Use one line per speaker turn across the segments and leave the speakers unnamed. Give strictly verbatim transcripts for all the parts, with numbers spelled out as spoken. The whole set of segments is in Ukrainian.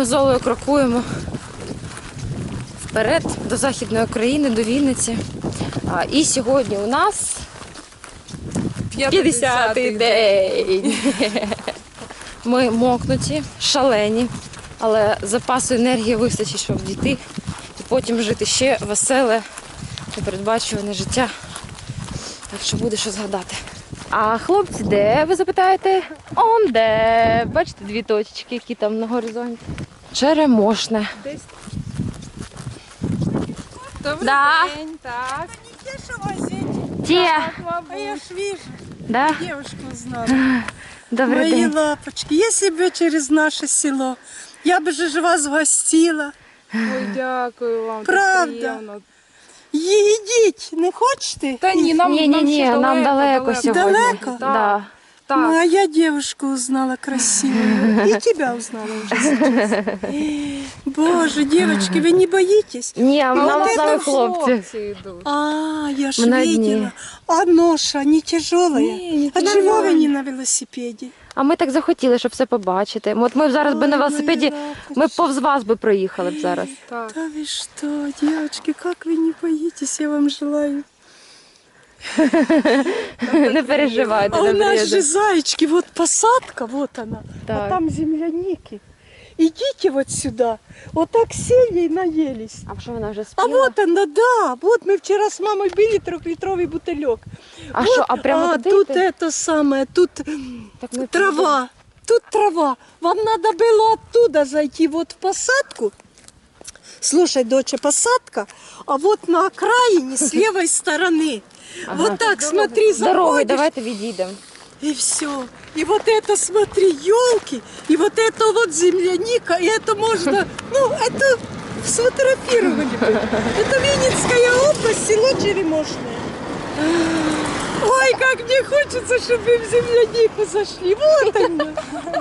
ми з Олею крокуємо вперед до Західної України, до Вінниці. А, і сьогодні у нас п'ятдесятий день. Ми мокнуті, шалені, але запасу енергії вистачить, щоб дійти і потім жити ще веселе, непередбачуване життя. Так що буде що згадати. А хлопці де, ви запитаєте? Он де. Бачите дві точечки, які там на горизонті. Черемошне.
Десь. Добрий
Да.
день, так.
Где же возить?
Ті.
А я ж вижу,
Да?
девушку узнала.
Добрий
Мои
день.
лапочки, если бы через наше село, я бы же вас гостила.
Ой, дякую вам. так
Правда.
приємно.
Їдіть, не хочете?
Та ні, нам,
Ні, ні,
нам
ні,
ще
нам далеко сьогодні.
Далеко?
Так.
Да.
Так.
Ну, а я девушку узнала красивую. И тебя узнала уже сейчас. Боже, девочки, вы не боитесь?
Ні, а нам
вот
з нами
это
хлопці.
йдуть.
А, я ж
Мы на дне.
видела. А ноша не тяжелая?
Не, не
А
тяжелая.
чего вы не на велосипеде?
А ми так захотіли, щоб все побачити. От ми зараз би на
Ой,
велосипеді,
мої
ми
лапочки.
повз вас би проїхали б зараз.
Так.
Да вы что, девочки, как вы не боитесь, я вам желаю.
Не переживайте,
А у
не
нас же
приїде.
зайчики, вот посадка, вот она,
Так.
а там земляники. Идите вот сюда, вот так сели и наелись.
А що вона вже
А
спіла?
вот она, да, вот мы вчера с мамой били трехлитровый бутылек.
А
вот,
що, а прямо
а
туди
тут
йти?
это самое, тут
Так ми
трава, тут трава. Вам надо было оттуда зайти вот в посадку. Слушай, доча, посадка, а вот на окраине с левой стороны.
Ага.
Вот так, смотри,
Дорогою,
заходишь.
давайте відійдемо.
И все. И вот это, смотри, елки, и вот это вот земляника, и это можно, ну, это сфотографировали бы. Это Винницкая область, село Черемошное. Ой, как мне хочется, чтобы вы в землянику зашли. Вот она.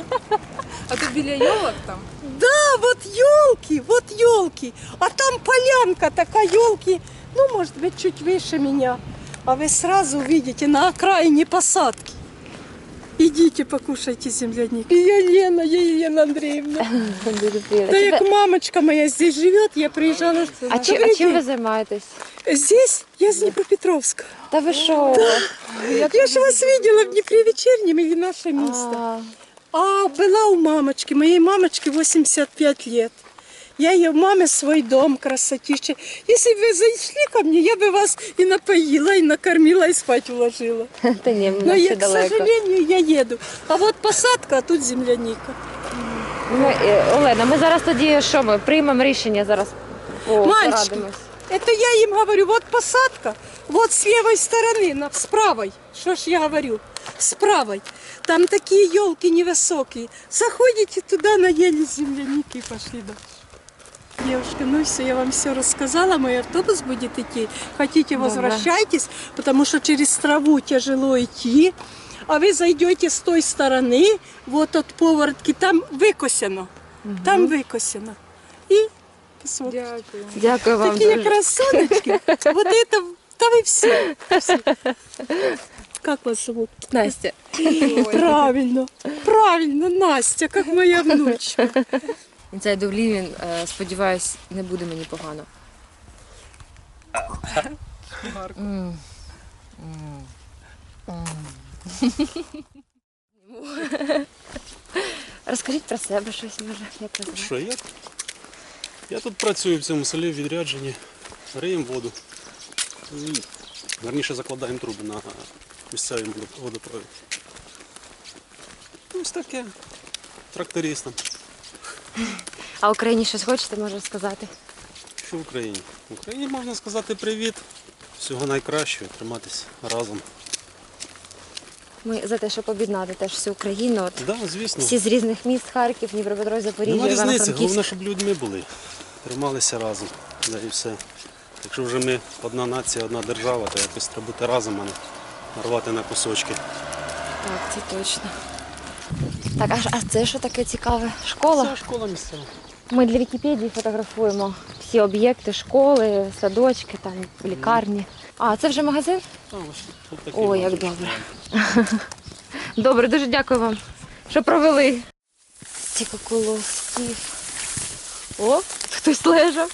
А ти біля йолок там?
Да, вот елки, вот елки. А там полянка такая, елки, ну, может быть, чуть выше меня. А вы сразу увидите на окраине посадки. Идите, покушайте земляники. Я Лена, я Елена Андреевна. Да, як мамочка моя здесь живет, я приезжала.
А, чи, а
Добрый
чим ви
день.
займаєтесь?
Здесь я с Днепропетровска.
Та ви що?
Я же вас видела в Днепре вечернем или наше место.
А,
А была у мамочки, моей мамочке восемьдесят пять лет. Я ее маме свой дом, красотища. Если бы вы зашли ко мне, я бы вас и напоила, и накормила, и спать уложила.
Та ні,
Но
нам
я,
ще
к
далеко.
сожалению, я еду. А вот посадка, а тут земляника.
Ми, е, Олена, ми зараз тоді що ми приймемо рішення зараз. О,
Мальчики.
порадимось.
Это я им говорю, вот посадка, вот с левой стороны, на, с правой. Что ж я говорю? С правой. Там такие елки невысокие. Заходите туда, наелись земляники и пошли дальше. Девушка, ну все, я вам все рассказала, мой автобус будет идти. Хотите, возвращайтесь, потому что через траву тяжело идти. А вы зайдете с той стороны, вот от поворотки, там выкосено. Там выкосено. И посмотрите.
Дякую.
Дякую вам
Такие
дуже.
красоточки. Вот это, да вы все. Как вас зовут?
Настя.
Правильно, правильно, Настя, как моя внучка.
Цей Довлівін, е, сподіваюсь, не буде мені погано. М. М. М. Розкажіть про себе щось, може, як ви знаєте.
Що, я, я тут працюю в цьому селі в відрядженні, риємо воду. І, верніше закладаємо труби на місцевий водопровід. Ось таке. Трактористом.
А Україні щось хочете, може, сказати?
Що в Україні? В Україні можна сказати привіт. Всього найкращого, триматися разом.
Ми за те, щоб об'єднати теж всю Україну. От,
Так, да, звісно.
всі з різних міст, Харків, Дніпропетровськ, Запоріжжя,
Нема різниці,
Івано-Франківськ.
головне, щоб людьми були. Трималися разом. Да, і все. Якщо вже ми одна нація, одна держава, то якось треба бути разом, а не рвати на кусочки.
Так, це точно. Так, а, а це що таке цікаве? Школа?
Це школа місцева.
Ми для Вікіпедії фотографуємо всі об'єкти, школи, садочки, там, лікарні. А, це вже магазин?
А, ось тут такі
О, як
бачиш.
добре. Добре, дуже дякую вам, що провели. Стільки колосків. О, хтось лежав.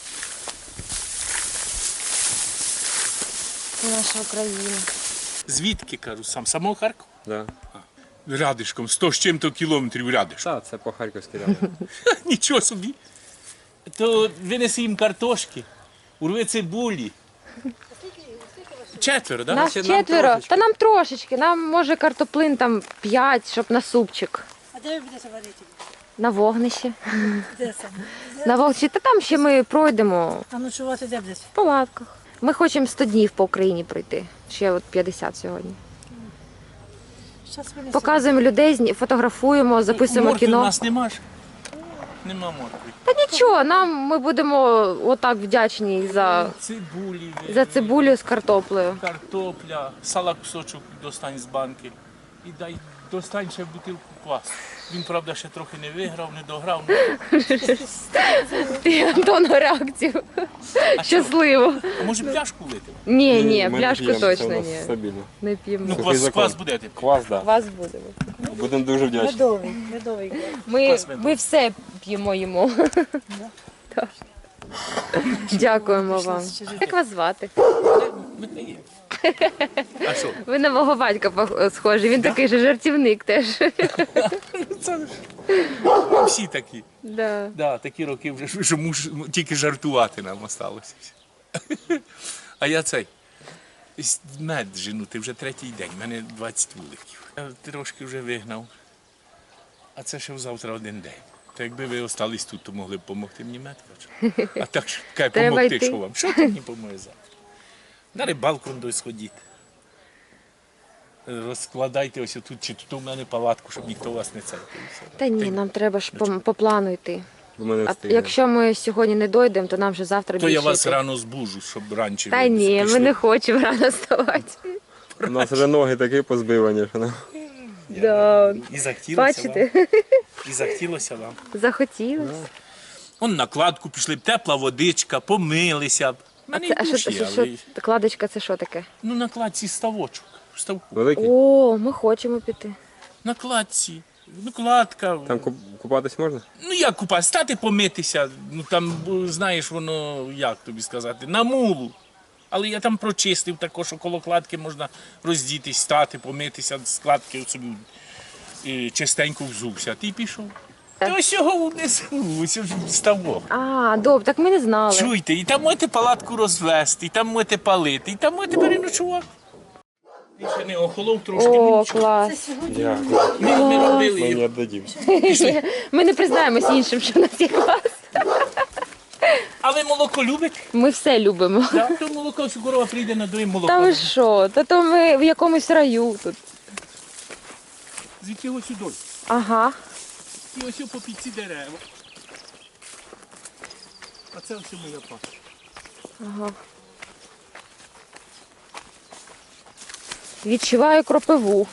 Це наша Україна.
Звідки, кажу, сам самого Харкова?
Да.
Рядишком, сто з чим-то кілометрів рядишком.
Та, це по Харківській ряді.
Нічого собі. То винеси їм картошки, урви цибулі. Четверо, так? Да?
Нас
Значить, нам
четверо.
трошечки.
Та нам трошечки. Нам може картоплин там п'ять, щоб на супчик.
А де ви будете варити?
На вогнищі.
Де це?
На вогнищі. Та там ще ми пройдемо
А ночувати де будете?
в палатках. Ми хочемо сто днів по Україні пройти. Ще от п'ятдесят сьогодні.
Щас винесу.
Показуємо людей, зні- фотографуємо, записуємо
Моркви у
кіно.
нас нема ж. Нема моркви.
Та нічого, нам ми будемо отак вдячні за,
Цибулі,
за цибулю з картоплею.
картопля, сала кусочок достань з банки. І дай достань ще бутилку квасу. Він, правда, ще трохи не виграв, не дограв.
Ти Антону реакцію. Щасливо.
А може пляшку лити?
Ні, ні,
ми
пляшку
не п'ємо, це
точно
у нас
ні.
Стабільно.
Не
Ну,
п'ємо.
Сухий
квас,
закон.
квас будете.
Квас, да.
Вас будемо.
Будемо дуже вдячні.
Медовий, медовий.
Ми,
Квас медовий.
ми все п'ємо їмо. Так. Дякуємо вам. Як вас звати?
Ми не є. А що?
Ви на мого батька пох- схожі. Він такий же жартівник теж.
Це ж всі такі.
Да.
Да, такі роки вже, що муж тільки жартувати нам осталося. А я цей. с- Мед женути вже третій день, в мене двадцять вуликів. Я трошки вже вигнав. А це ще завтра один день. То якби ви остались тут, то могли б допомогти мені мед качати. А так що кай,
Треба
помогти,
йти.
що вам? Що ти мені поможе завтра? На рибалку до сходіть. Розкладайте ось тут, чи тут у мене палатку, щоб ніхто вас не цепив.
Та ні, нам треба ж по, по плану йти.
Бо ми не
А
встигнемо.
якщо ми сьогодні не дійдемо, то нам вже завтра
То
більше
я вас
йти.
рано збужу, щоб раніше
Та
ви
ні, ми
пішли.
не хочемо рано вставати.
У нас вже ноги такі позбивані, що нам.
Да.
І захотілося
Бачите?
вам. І захотілося вам.
Захотілося.
Он накладку пішли б, тепла водичка, помилися б. У
А,
мене
це,
і
а що,
душ
що,
є,
що,
але...
кладочка це що таке?
Ну, на кладці ставочок. Ставку.
Великий?
О, ми хочемо піти.
На кладці. Ну, кладка.
Там куп- купатись можна?
Ну, як купа, стати помитися. Ну, там, бо, знаєш, воно, як тобі сказати, на мулу. Але я там прочистив також, що коло кладки можна роздітись, стати, помитися, з кладки собі е, чистенько взувся. Ти пішов. Та ось його внизу, ось ж ставок.
А, добре, так ми не знали.
Чуйте, і там можете палатку розвести, і там можете палити, і там можете переночувати. Він ще не охолов трошки, ну
О,
нічого.
клас.
Дякую.
Ми, ми робили
Ми не
його.
віддадім.
Ми не признаємось іншим, що в нас є клас.
А ви молоко любите?
Ми все любимо.
Да? То молоко, що корова прийде на доїм молоко.
Та ви що? Та то ми в якомусь раю тут.
Звідки ось сюди.
Ага.
І ось по під ці дерева. А це ось моя паша.
Ага. Відчуваю кропиву.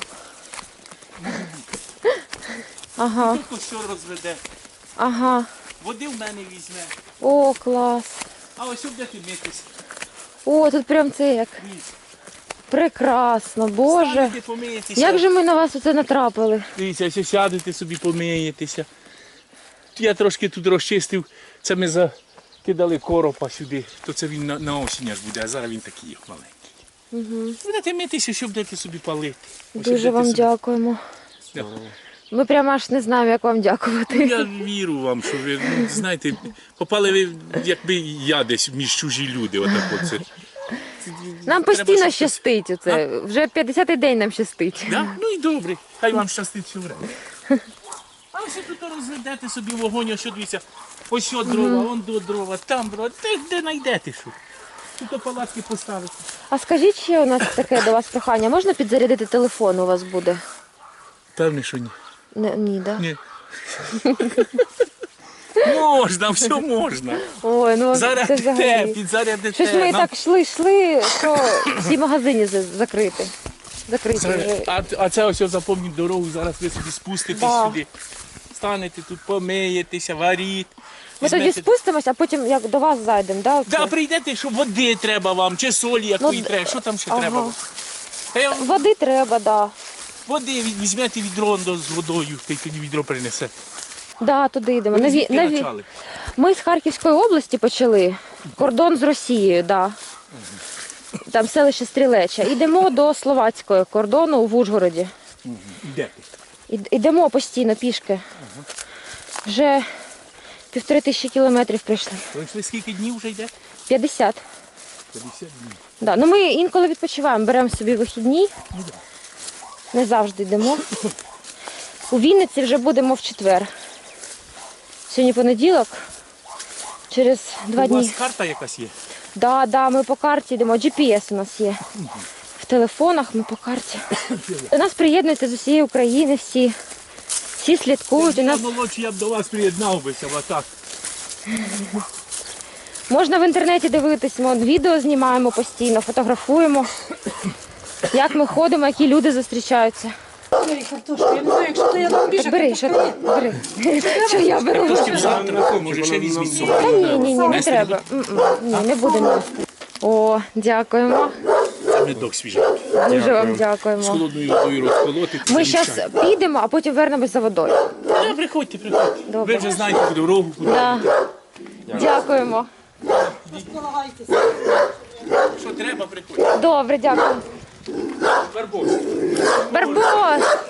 Ага,
Тут ось що розведе.
ага.
Води в мене візьме.
О, клас.
А ось буде ти митись.
О, тут прям це як. Прекрасно, Боже.
Станете, помиєтеся.
Як же ми на вас оце натрапили?
Дивіться, ось сядете собі, помиєтеся. Я трошки тут розчистив. Це ми закидали коропа сюди. То це він на, на осінь аж буде, а зараз він такий як маленький.
Угу.
Будете митися, що будете собі палити. Ось
Дуже
будете
вам
собі-
дякуємо.
Да.
Ми прямо аж не знаємо, як вам дякувати.
Ну, я вірю вам, що ви, ну, знаєте, попали ви, якби я десь між чужі люди. Отак оце.
Нам
Треба,
постійно
щоб-
щастить оце. Вже п'ятдесятий день нам щастить.
Да? Ну і добре, хай вам щастить все время. А ось тут розведете собі вогонь, ось що дивіться, ось що дрова, вон до дрова, там дрова, де, де знайдете що. Тут палатки поставити.
А скажіть ще у нас таке до вас прохання. Можна підзарядити телефон у вас буде?
Певне, що ні.
Не, ні, да?
Ні. Можна, все можна.
Ой, ну це
Зарядите,
взагалі.
підзарядите.
Щось ми
Нам-
так йшли, йшли, що всі магазини за- закриті. Закриті вже.
А, а це ось запомніть дорогу, зараз ви собі спуститесь
Да.
сюди. Станете тут, помиєтеся, варіть.
Ми тоді
візьмете-
спустимось, а потім як до вас зайдемо, да? оце?
Да, прийдете, що води треба вам, чи солі якої
Ну,
треба, що там ще
ага.
треба вам. Та я вам
Води треба, да.
води візь- візьмете відро он до- з водою, та й тоді відро принесе.
Да, туди йдемо.
Ви
На, ві...
звідки
на, ві...
почали?
Ми з Харківської області почали. Кордон з Росією, да. Там селище Стрілеча. Йдемо до словацького кордону в Ужгороді.
Де ти?
Ід- Йдемо постійно пішки. Вже півтори тисячі кілометрів прийшли.
Пройшли скільки днів вже йде?
п'ятдесят.
п'ятдесят днів.
Да. Ну ми інколи відпочиваємо, беремо собі вихідні. Не завжди йдемо. У Вінниці вже будемо в четвер. Сьогодні понеділок. Через два
У вас
дні.
карта якась є?
Да, да, ми по карті йдемо. джі пі ес у нас є. В телефонах ми по карті. До нас приєднуються з усієї України всі. Всі слідкують. У
Я
нас
молодший, я б до вас приєднав бися, а так.
можна в інтернеті дивитись, ми от відео знімаємо постійно, фотографуємо. Як ми ходимо, які люди зустрічаються.
Ой, картошка, я не знаю, якщо то я там більше.
Так бери, що ти? Бери. Що я беру?
Трошки завтра, може ще візьміть собі.
Та ні, ні, ні, не треба. М-м, ні, не будемо. їсти. О, дякуємо.
Це медок свіжий.
Дуже вам
З
дякуємо.
холодною водою розколоти.
Ми зараз підемо, а потім вернемось за водою.
Та приходьте, приходьте.
Добре.
Ви вже знаєте куди дорогу, куди.
Да. Дякуємо.
Що треба, приходьте.
Добре, дякую.
Барбос.
Барбос!